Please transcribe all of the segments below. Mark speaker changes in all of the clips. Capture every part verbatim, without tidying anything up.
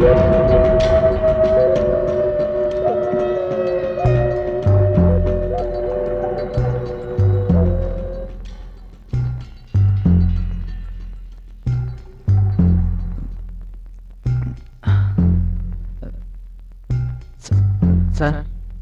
Speaker 1: Sir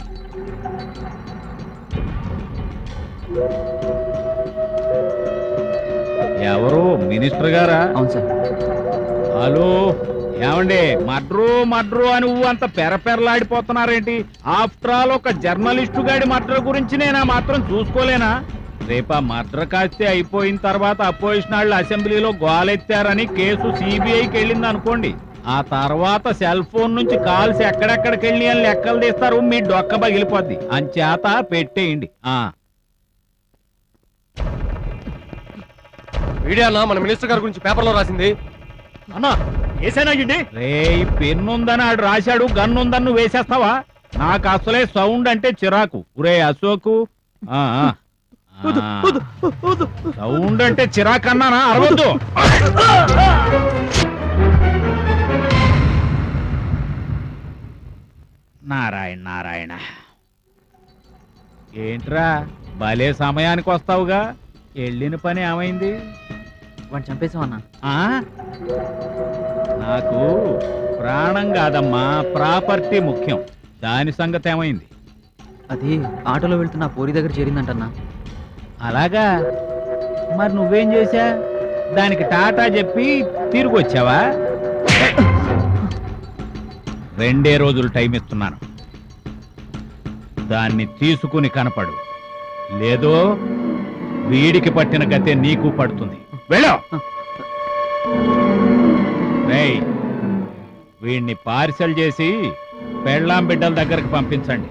Speaker 2: ఎవరు minister గారా?
Speaker 1: అవును సార్.
Speaker 2: హలో ఏమండి, మడ్రు మడ్రు అని నువ్వు అంత పెరపెరలాడిపోతున్నారేంటి? ఆఫ్టర్ ఆల్ ఒక జర్నలిస్టు గాడి మడ్ర గురించి నేనా మాత్రం చూసుకోలేనా? రేపా మడ్ర కాస్తే అయిపోయిన తర్వాత అపోజిషన్ వాళ్ళు అసెంబ్లీలో గోలెత్తారని కేసు సిబిఐకి వెళ్ళింది అనుకోండి, ఆ తర్వాత సెల్ ఫోన్ నుంచి కాల్స్ ఎక్కడెక్కడికి వెళ్ళి అని లెక్కలు తీస్తారు, మీ డొక్క పగిలిపోద్ది. అంచేత పెట్టేయండి. ఆ
Speaker 3: మీడియా అన్న మన మినిస్టర్ గారి గురించి పేపర్లో రాసింది
Speaker 4: అన్నా ఏసైనాయండి.
Speaker 2: రే పెన్నుందని ఆడు రాశాడు, గన్ను ఉందని నువ్వు వేసేస్తావా? నాకు అసలే సౌండ్ అంటే చిరాకు. ఒరే అశోకు, ఆ, ఆ. సౌండ్ అంటే చిరాకు అన్నానా? అరవద్దు. నారాయణ నారాయణ, ఏంట్రా భలే సమయానికి వస్తావుగా? వెళ్ళిన పని ఏమైంది?
Speaker 1: వాడిని చంపేశాం అన్నా.
Speaker 2: ఆ నాకు ప్రాణం కాదమ్మా, ప్రాపర్టీ ముఖ్యం. దాని సంగతి ఏమైంది?
Speaker 1: అది ఆటోలో వెళ్తున్న ఆ పోరి దగ్గర చేరిందంటన్నా.
Speaker 2: అలాగా? మరి నువ్వేం చేశా? దానికి టాటా చెప్పి తిరిగి వచ్చావా? రెండే రోజులు టైం ఇస్తున్నాను, దాన్ని తీసుకుని కనపడు. లేదో వీడికి పట్టిన గతే నీకు పడుతుంది. వెళ్ళు. రేయ్, వీడిని పార్సల్ చేసి పెళ్ళాం బిడ్డల దగ్గరకు పంపించండి.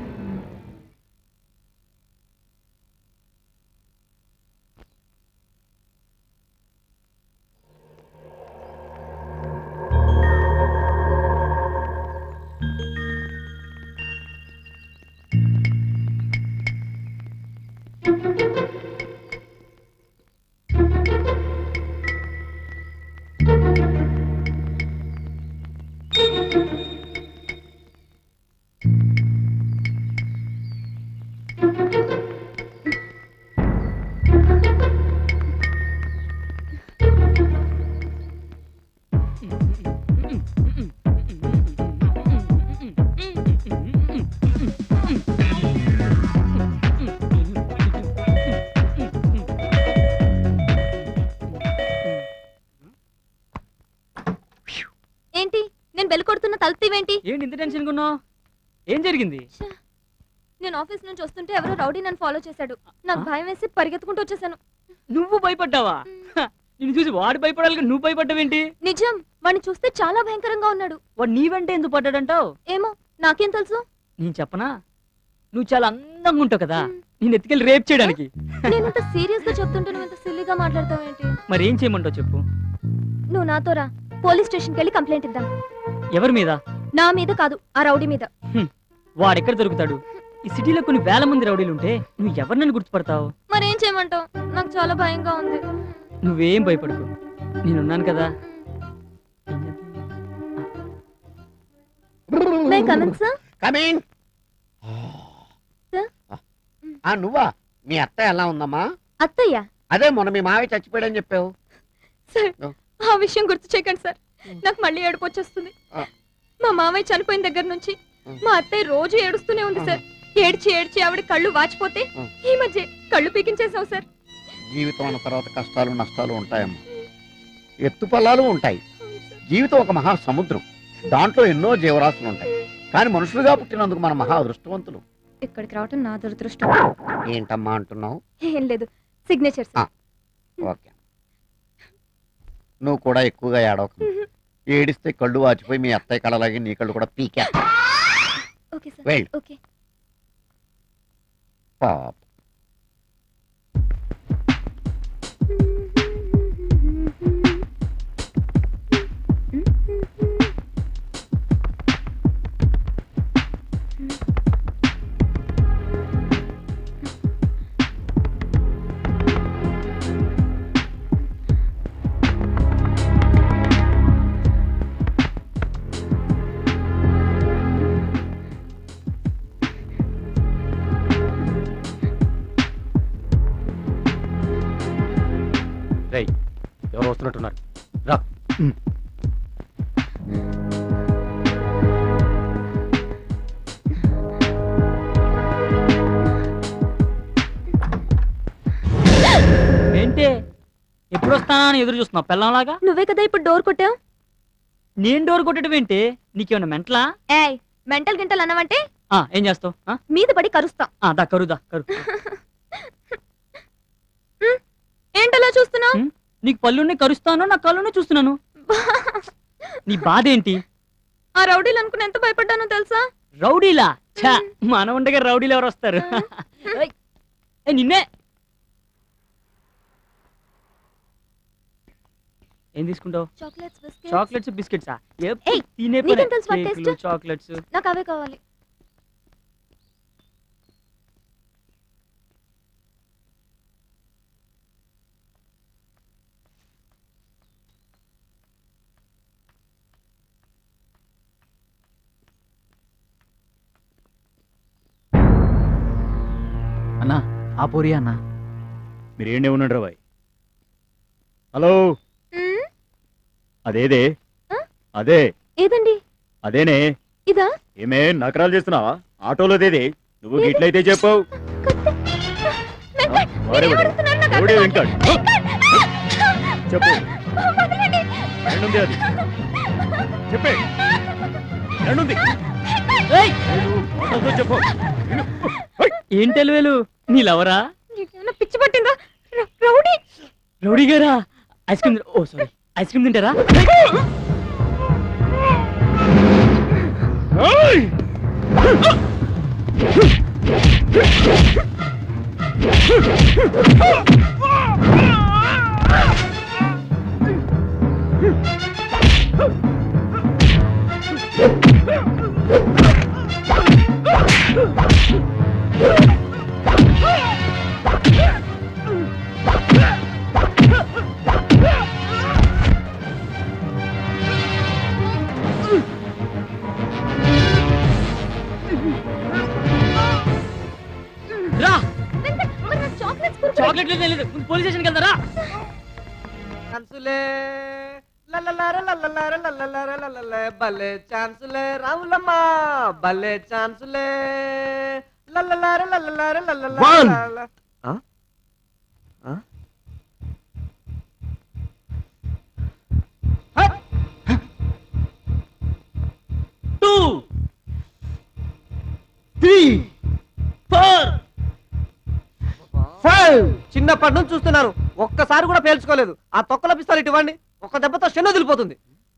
Speaker 5: ఏంటి నేను బెల్ కొడుతున్న తలుపుతీవేంటి?
Speaker 1: ఏంటి ఇంత టెన్షన్ ఉన్నావు? ఏం జరిగింది?
Speaker 5: నేను ఆఫీస్ నుంచి వస్తుంటే ఎవరో రౌడీ నన్ను ఫాలో చేశాడు. నాకు భయం వేసి పరిగెత్తుకుంటూ వచ్చేసాను.
Speaker 1: నువ్వు భయపడ్డావా? నిన్ను చూసి వాడు భయపడాలి, నువ్వు భయపడ్డావేంటి?
Speaker 5: నిజం, వాడిని చూస్తే చాలా భయంకరంగా ఉన్నాడు.
Speaker 1: వాడు నీ వెంట ఎందుకు పడ్డాడంటావు?
Speaker 5: ఏమో, నాకేం తెలుసు?
Speaker 1: నేను చెప్పనా? నువ్వు చాలా అందంగా ఉంటావు కదా, నేను ఎత్తుకెళ్ళి రేప్ చేయడానికి.
Speaker 5: నేను ఇంత సీరియస్ గా చెప్తుంటే నువ్వు ఇంత సిల్లీగా మాట్లాడతావు ఏంటి?
Speaker 1: మరి ఏం చేయమంటావు చెప్పు.
Speaker 5: నువ్వు నాతో రా, పోలీస్ స్టేషన్కి వెళ్ళి కంప్లైంట్ ఇద్దాం.
Speaker 1: ఎవరి మీద?
Speaker 5: నా మీద కాదు, ఆ రౌడీ మీద.
Speaker 1: వాడెక్కడ దొరుకుతాడు? ఈ సిటీలో కొన్ని వేల మంది రౌడీలు ఉంటే నువ్వు ఎవరినని గుర్తుపడతావు?
Speaker 5: మరేం చేయమంటావు? నాకు చాలా భయంగా ఉంది.
Speaker 1: నువ్వేం భయపడకు, నేనున్నాను కదా.
Speaker 5: May coming sir?
Speaker 6: కమింగ్. ఆ నువ్వా? మీ అత్త ఎలా ఉందమ్మా?
Speaker 5: అత్తయ్య?
Speaker 6: అదే మొన్న మీ మావి చచ్చిపోయాడని చెప్పావు.
Speaker 5: సార్, ఆ విషయం గుర్తు చేయకండి సార్, నాకు మళ్ళీ ఏడుపు వచ్చేస్తుంది. మా మావయ్య చనిపోయిన దగ్గర నుంచి మా అత్తయ్య రోజు ఏడుస్తూనే ఉంది సార్. ఏడ్చి ఏడ్చి ఆవిడ కళ్ళు వాచిపోతే ఈ మధ్య కళ్ళు పీకించేసావు సార్.
Speaker 6: జీవితం అన్న తర్వాత కష్టాలు నష్టాలు ఉంటాయమ్మా, ఎత్తుపల్లాలు ఉంటాయి. జీవితం ఒక మహా సముద్రం, దాంట్లో ఎన్నో జీవరాశులు ఉంటాయి. కానీ మనుషులుగా పుట్టినందుకు మన మహా అదృష్టవంతులు.
Speaker 5: ఇక్కడికి రావటం నా దురదృష్టం.
Speaker 6: ఏంటమ్మా అంటున్నావు?
Speaker 5: ఏం లేదు, సిగ్నేచర్.
Speaker 6: ఓకే, నువ్వు కూడా ఎక్కువగా ఏడవకు. ఏడిస్తే కళ్ళు వాచిపోయి మీ అత్తయ్య కళ్ళలాగే నీ కళ్ళు కూడా పీకే.
Speaker 5: Okay sir.
Speaker 6: వెళ్ళు.
Speaker 5: ఓకే.
Speaker 6: పాప
Speaker 3: రేయ్ ఎవరు వస్తున్నట్టున్నారు రా.
Speaker 1: ఏంటి ఎప్పుడు వస్తానా అని ఎదురు చూస్తున్నావు పెళ్ళంలాగా?
Speaker 5: నువ్వే కదా ఇప్పుడు డోర్ కొట్టావు.
Speaker 1: నేను డోర్ కొట్టడం ఏంటి? నీకేమన్నా మెంటలా?
Speaker 5: ఏయ్ మెంటల్ గింటల్ అన్నావంటే
Speaker 1: ఆ, ఏం చేస్తావు? ఆ?
Speaker 5: మీద పడి కరుస్తా.
Speaker 1: ఆ, దా కరుదా కరు.
Speaker 5: ఏంటలా చూస్తున్నావు?
Speaker 1: ఉమ్, నీకు పళ్ళుని కరుస్తాను, నా కళ్ళుని చూస్తున్నాను. నీ బాధ ఏంటి?
Speaker 5: ఆ రౌడీలు అనుకుని ఎంత భయపడ్డానో తెలుసా?
Speaker 1: రౌడీలా? ఛా, మన ఉండగా రౌడీలు ఎవరు వస్తారు? ఏయ్, ఏయ్, నిన్నే. ఏం తీసుకుంటావు?
Speaker 5: Chocolates biscuits.
Speaker 1: చాక్లెట్స్ బిస్కెట్సా?
Speaker 5: ఏయ్,
Speaker 1: తినే
Speaker 5: నీకేం తెలుసు వాటి
Speaker 1: కేకులు,
Speaker 5: taste?
Speaker 1: చాక్లెట్స్.
Speaker 5: నాకు అవే కావాలి.
Speaker 2: అన్నా ఆ పోరి అన్నా.
Speaker 4: మీరేండే ఉన్నాడు రా బాయ్. హలో,
Speaker 5: మ్మ్,
Speaker 4: అదేదే
Speaker 5: ఆ?
Speaker 4: అదే
Speaker 5: ఏదండి
Speaker 4: అదేనే.
Speaker 5: ఇదా?
Speaker 4: ఏమే నకరాలు చేస్తున్నావా? ఆటోలోదేదే. నువ్వు
Speaker 5: ఏది?
Speaker 4: గిట్లయితే చెప్పావు.
Speaker 5: కత్తి. వెంకట్,
Speaker 4: వాడే
Speaker 5: మీరేం
Speaker 4: వాడే.
Speaker 5: అడుగుతున్నారు? నాకు
Speaker 4: ఎవడే
Speaker 5: అర్థం
Speaker 4: వెంకట్?
Speaker 5: కాదు.
Speaker 4: చెప్పు.
Speaker 5: వదలండి.
Speaker 4: ఎన్నుంది అది? చెప్పే. ఎన్నుంది?
Speaker 1: ఏయ్,
Speaker 4: ఏడు, మాటలతో చెప్పు. విను.
Speaker 1: ఏం తెలివేలు? నీ లవరా?
Speaker 5: నీకేమైనా పిచ్చి పట్టిందా? ర- రౌడీ.
Speaker 1: రౌడీ గారా? ఐస్ క్రీమ్ ఓ సారీ ఐస్ క్రీమ్ తింటారా?
Speaker 4: ఏయ్!
Speaker 1: రా,
Speaker 5: వెంకట్, మరి నాకు చాక్లెట్స్ కొనుక్కో.
Speaker 1: చాక్లెట్ లేదు, పోలీస్ స్టేషన్కి వెళ్తారా?
Speaker 7: ఛాన్సులే లల్లలార లల్లలార లల్లలార లల్లలే భలే ఛాన్సులే రాములమ్మ భలే ఛాన్సులే లల్లలార లల్లలార లల్లలార లల్ల. ఆ? ఆ?
Speaker 1: Two three four
Speaker 7: five. చిన్నప్పటి నుంచి చూస్తున్నాను, ఒక్కసారి కూడా పేల్చుకోలేదు. ఆ తొక్కల పిస్తాలు ఇటు ఇవ్వండి, ఒక్క దెబ్బతో శని వదిలిపోతుంది.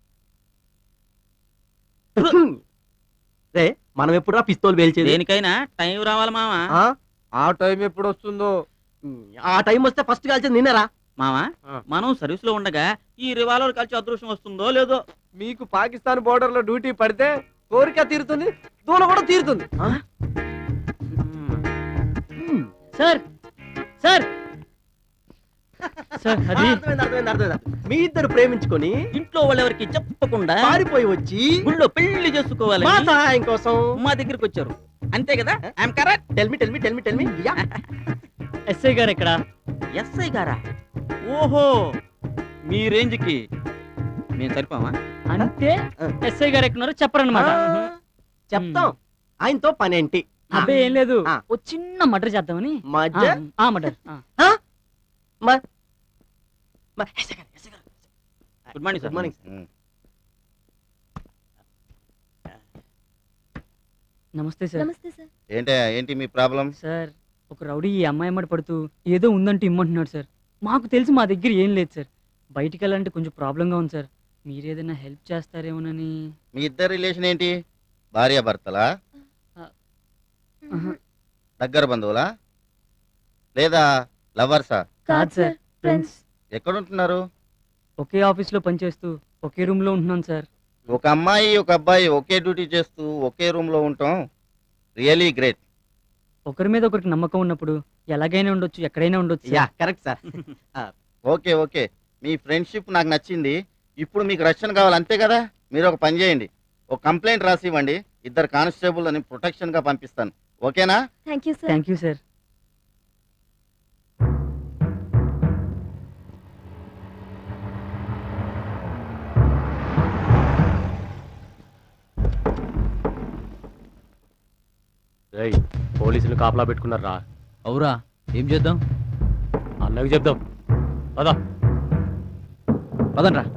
Speaker 7: రే, మనం ఎప్పుడు పిస్తోల్ పేల్చేది?
Speaker 8: దేనికైనా టైం రావాలి మావా.
Speaker 7: ఆ? ఆ టైం ఎప్పుడు వస్తుందో? ఆ టైం వస్తే ఫస్ట్ కాల్చేది నిన్నరా?
Speaker 8: మావా
Speaker 7: ఆ.
Speaker 8: మనం సర్వీస్ లో ఉండగా ఈ రివాల్వర్ కలిసి అదృష్టం వస్తుందో లేదో.
Speaker 7: మీకు పాకిస్తాన్ బోర్డర్ లో డ్యూటీ పడితే కోరిక తీరుతుంది, దూల కూడా తీరుతుంది. ఆ?
Speaker 1: సార్ సార్ సార్ అది
Speaker 7: అర్థమైంది, అర్థమైంది, అర్థమైంది. మీ ఇద్దరు ప్రేమించుకొని
Speaker 8: ఇంట్లో వాళ్ళెవరికి చెప్పకుండా
Speaker 7: పారిపోయి వచ్చి
Speaker 8: గుళ్ళో పెళ్లి చేసుకోవాలి
Speaker 7: మా సహాయం కోసం
Speaker 8: మా దగ్గరికి వచ్చారు అంతే కదా? I'm correct.
Speaker 7: Tell me tell me tell me tell me
Speaker 1: SI గారు ఎక్కడ?
Speaker 8: ఎస్ఐ గారా? ఓహో, మీ రేంజ్ కి మేము సరిపోమా?
Speaker 1: అంటే ఎస్ఐ గారు ఎక్కడున్నారో చెప్పరన్నమాట.
Speaker 7: చెప్తాం. ఆయనతో పనేంటి?
Speaker 1: అబ్బే ఏం లేదు,
Speaker 7: ఆ.
Speaker 1: ఓ చిన్న మర్డర్ చేద్దామని.
Speaker 7: మధ్య
Speaker 1: ఆ murder.
Speaker 8: Good morning sir.
Speaker 7: Good morning.
Speaker 1: నమస్తే సార్.
Speaker 5: నమస్తే సార్.
Speaker 6: ఏంటి ఏంటి మీ ప్రాబ్లం?
Speaker 1: సార్, ఒక రౌడీ ఈ అమ్మాయి అమ్మడి పడుతూ ఏదో ఉందంటూ ఇమ్మంటున్నాడు సార్. మాకు తెలిసి మా దగ్గర ఏం లేదు సార్. బయటికి వెళ్ళాలంటే కొంచెం ప్రాబ్లంగా ఉంది సార్. మీరు ఏదైనా హెల్ప్ చేస్తారేమోనని.
Speaker 6: మీ ఇద్దరు రిలేషన్ ఏంటి? భార్య భర్తలా?
Speaker 1: ఆహా.
Speaker 6: దగ్గర బంధువులా లేదా లవర్సా?
Speaker 1: కాదు సార్, ఫ్రెండ్స్.
Speaker 6: ఎక్కడ ఉంటున్నారు?
Speaker 1: ఒకే ఆఫీస్లో పనిచేస్తూ ఒకే రూమ్లో ఉంటున్నాను సార్.
Speaker 6: ఒక అమ్మాయి ఒక అబ్బాయి ఒకే డ్యూటీ చేస్తూ ఒకే రూమ్ లో ఉంటాం రియలీ గ్రేట్.
Speaker 1: ఒకరి మీద ఒకరికి నమ్మకం ఉన్నప్పుడు ఎలాగైనా ఉండొచ్చు, ఎక్కడైనా ఉండొచ్చు
Speaker 7: yeah
Speaker 1: sir.
Speaker 7: Correct sir.
Speaker 6: Okay okay మీ ఫ్రెండ్షిప్ నాకు నచ్చింది. ఇప్పుడు మీకు రక్షణ కావాలి అంతే కదా? మీరు ఒక పని చేయండి, ఒక కంప్లైంట్ రాసి ఇవ్వండి. ఇద్దరు కానిస్టేబుల్ అని ప్రొటెక్షన్ గా పంపిస్తాను. ఓకేనా?
Speaker 5: Thank you sir.
Speaker 1: Thank you sir.
Speaker 3: రేయ్ పోలీసులు కాపలా పెట్టుకున్నారా
Speaker 2: అవురా ఏం చేద్దాం
Speaker 3: అన్నకి చెప్దాం పదా
Speaker 2: పదండ్రా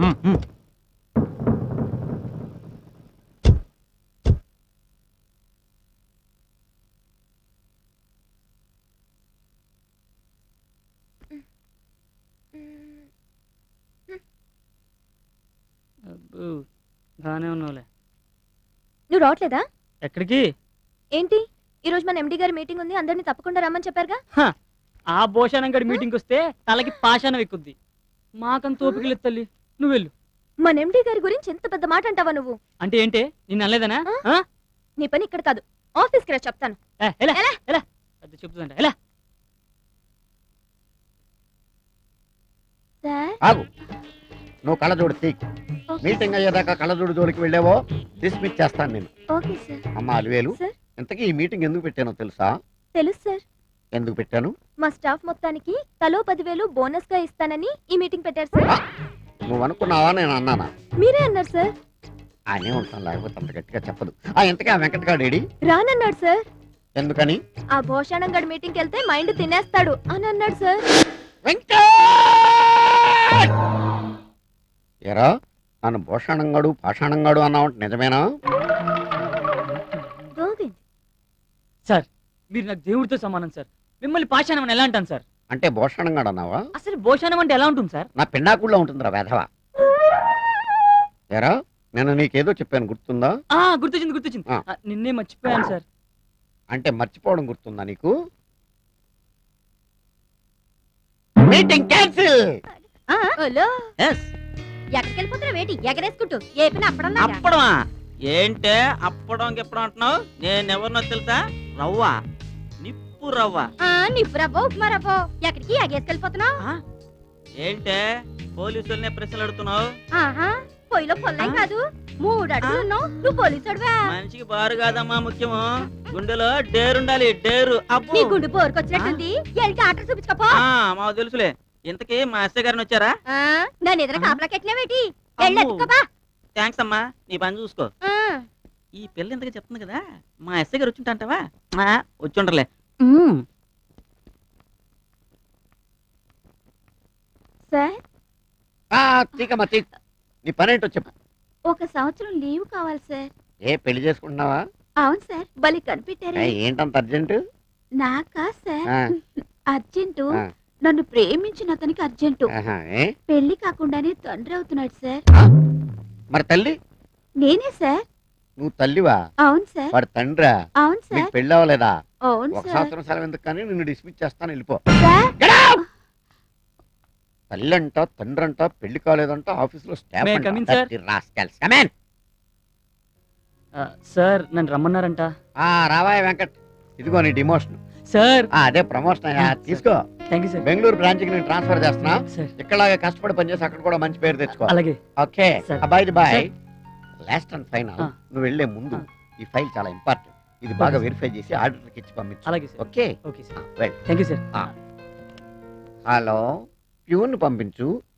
Speaker 1: అబ్బో, బాగానే ఉన్నావులే.
Speaker 5: నువ్వు రావట్లేదా?
Speaker 1: ఎక్కడికి?
Speaker 5: ఏంటి ఈ రోజు మన ఎండి గారి మీటింగ్ ఉంది, అందరినీ తప్పకుండా రమ్మని చెప్పారుగా.
Speaker 1: హ, ఆ భోషానం గడి మీటింగ్కి వస్తే తలకి పాషాణం ఎక్కుద్ది. మాకంత ఓపిక లేదు తల్లి, నువ్వు వెళ్ళు.
Speaker 5: మన ఎండి గారి గురించి ఎంత పెద్ద మాట అంటావా నువ్వు?
Speaker 1: అంటే ఏంటే నిన్ను అనలేదనా? ఆ?
Speaker 5: నీ పని ఇక్కడ కాదు, ఆఫీస్కి రా చెప్తాను.
Speaker 1: ఏ, ఎలా
Speaker 5: ఎలా?
Speaker 1: ఎలా పెద్ద చెప్తుందంట ఎలా?
Speaker 5: సార్
Speaker 6: ఆగు, నువ్వు కళ్ళజోడు తీ. మీటింగ్ అయ్యేదాకా కళ్ళజోడు జోలికి వెళ్ళావో డిస్మిస్ చేస్తాను నేను.
Speaker 5: Okay sir.
Speaker 6: అమ్మ అలివేలు,
Speaker 5: సార్.
Speaker 6: ఇంతకీ ఈ మీటింగ్ ఎందుకు పెట్టానో తెలుసా?
Speaker 5: తెలుసు సార్.
Speaker 6: ఎందుకు పెట్టాను?
Speaker 5: మా స్టాఫ్ మొత్తానికి తలో పదివేలు బోనస్ గా ఇస్తానని ఈ మీటింగ్ పెట్టారు సార్.
Speaker 6: నువ్వు అనుకున్నావా నేను అన్నానా?
Speaker 5: మీరే అన్నారు సార్.
Speaker 6: ఆయనే ఉంటాను, లేకపోతే అంత గట్టిగా చెప్పదు. ఆ ఇంతకీ ఆ వెంకటగాడేడి?
Speaker 5: రానన్నాడు సార్.
Speaker 6: ఎందుకని?
Speaker 5: ఆ భోషాణం గడి మీటింగ్కి వెళ్తే మైండ్ తినేస్తాడు అని అన్నాడు సార్.
Speaker 6: ఎరా, నన్ను భూషణంగాడు పాషాణంగాడు అన్నావంటే నిజమేనా?
Speaker 5: గోవింద్
Speaker 1: సార్ మీరు నాకు దేవుడితో సమానం సార్. మిమ్మల్ని పాషాణం అని ఎలా అంటాను సార్?
Speaker 6: అంటే భూషణంగాడు అన్నావా?
Speaker 1: అసలు భోషాణం అంటే ఎలా ఉంటుంది సార్?
Speaker 6: నా పిండాకుల్లో ఉంటుందిరా వేధవా. ఎరా, నేను నీకేదో చెప్పాను గుర్తుందా?
Speaker 1: ఆ గుర్తొచ్చింది గుర్తొచ్చింది.
Speaker 6: ఆ.
Speaker 1: ఆ, నిన్నే మర్చిపోయాను సార్.
Speaker 6: అంటే మర్చిపోవడం గుర్తుందా నీకు? Meeting cancel.
Speaker 5: హలో,
Speaker 8: ఎస్
Speaker 5: ఎక్కడికి వెళ్ళిపోతున్నా వేటి ఎగరేసుకుంటూ ఏ పని అప్పడం
Speaker 8: అప్పడమా ఏంటే అప్పడం గిప్పడం అంటున్నావు? నేనెవరినో తెలుసా? రవ్వ, నిప్పు రవ్వ.
Speaker 5: నిప్పు రవ్వ ఉప్మా రవ్వ ఎక్కడికి ఎగేసుకెళ్ళిపోతున్నావు?
Speaker 8: ఆ? ఏంటే పోలీసుల్నే ప్రశ్నలు అడుగుతున్నావు?
Speaker 5: ఆహా, పొయ్యిలో పొల్లై
Speaker 8: ఆ?
Speaker 5: కాదు, మూడు అడుగులు ఉన్నావు నువ్వు పోలీసుడువా?
Speaker 8: మనిషికి బారు కాదమ్మా ముఖ్యము, గుండెలో డేరుండాలి, డేరు. అబ్బో.
Speaker 5: నీ గుండు పోరుకొచ్చినట్టుంది, ఎల్కి ఆటలు చూపించుకోపో.
Speaker 8: ఆ, మాకు తెలుసులే. ఇంతకీ మా ఎస్ఐ గారిని వచ్చారా?
Speaker 5: నన్ను ఎదురు కాపలా కెట్టినవేటి?
Speaker 8: అమ్మో.
Speaker 5: ఎల్లెత్తుకోపా.
Speaker 8: థ్యాంక్స్ అమ్మా, నీ పని చూసుకో. ఈ పిల్ల ఇంతగా చెప్తుంది కదా, మా ఎస్ఐ గారు వచ్చి అంటావా? వచ్చి ఉండలే.
Speaker 5: సార్,
Speaker 6: ఆ, తీకమ్మా తీ. నీ పనేంటో చెప్పు.
Speaker 5: ఒక సంవత్సరం లీవ్ కావాలి సార్.
Speaker 6: ఏ పెళ్లి చేసుకుంటున్నావా?
Speaker 5: అవును సార్, బలి కనిపెట్టారు.
Speaker 6: ఏ, ఏంటంత అర్జెంటు?
Speaker 5: నాకా సార్
Speaker 6: ఆ,
Speaker 5: అర్జెంటు,
Speaker 6: ఆ.
Speaker 5: నన్ను ప్రేమించిన అతనికి అర్జెంటు.
Speaker 6: ఆహా, ఏ?
Speaker 5: పెళ్లి కాకుండానే తండ్రి అవుతున్నాడు సార్.
Speaker 6: మరి తల్లి?
Speaker 5: నేనే సార్.
Speaker 6: నువ్వు తల్లివా?
Speaker 5: అవును సార్.
Speaker 6: వాడు తండ్రా?
Speaker 5: అవును
Speaker 6: నీకు
Speaker 5: సార్.
Speaker 6: పెళ్ళి అవ్వలేదా?
Speaker 5: అవును
Speaker 6: ఒక
Speaker 5: సార్.
Speaker 6: సంవత్సరం సెలవు ఎందుకు కానీ నిన్ను డిస్మిస్ చేస్తాను, వెళ్ళిపో.
Speaker 5: సార్,
Speaker 6: తల్లి అంట, తండ్రి అంట, పెళ్లి కాలేదంట, ఆఫీసులో స్టాఫ్
Speaker 1: May I
Speaker 6: అంట.
Speaker 1: come in, sir?
Speaker 6: Dirty rascals. Come in.
Speaker 1: ఆ, సార్ నన్ను రమ్మన్నారంట.
Speaker 6: ఆ, రావాయ్ వెంకట్, ఇదిగో నీ డిమోషన్.
Speaker 1: సార్
Speaker 6: ఆ, అదే ప్రమోషన్ అయ్యా,
Speaker 1: ఆ,
Speaker 6: తీసుకో.
Speaker 1: Thank you sir.
Speaker 6: Bengaluru branch కి నేను ట్రాన్స్ఫర్ చేస్తున్నా.
Speaker 1: సార్
Speaker 6: ఇక్కడలాగే కష్టపడి పనిచేసి అక్కడ కూడా మంచి పేరు తెచ్చుకో.
Speaker 1: అలాగే.
Speaker 6: Okay,
Speaker 1: Sir.
Speaker 6: Bye bye.
Speaker 1: Sir.
Speaker 6: Last and final,
Speaker 1: ఆ.
Speaker 6: నువ్వు వెళ్లే ముందు
Speaker 1: ఆ.
Speaker 6: ఈ ఫైల్ చాలా ఇంపార్టెంట్. ఇది బాగా
Speaker 1: Okay, sir.
Speaker 6: వెరిఫై చేసి ఆర్డర్కి ఇచ్చి పంపించు.
Speaker 1: అలాగే sir.
Speaker 6: Okay,
Speaker 1: okay sir.
Speaker 6: Well.
Speaker 1: Thank you sir.
Speaker 6: Hello, peon పంపించు,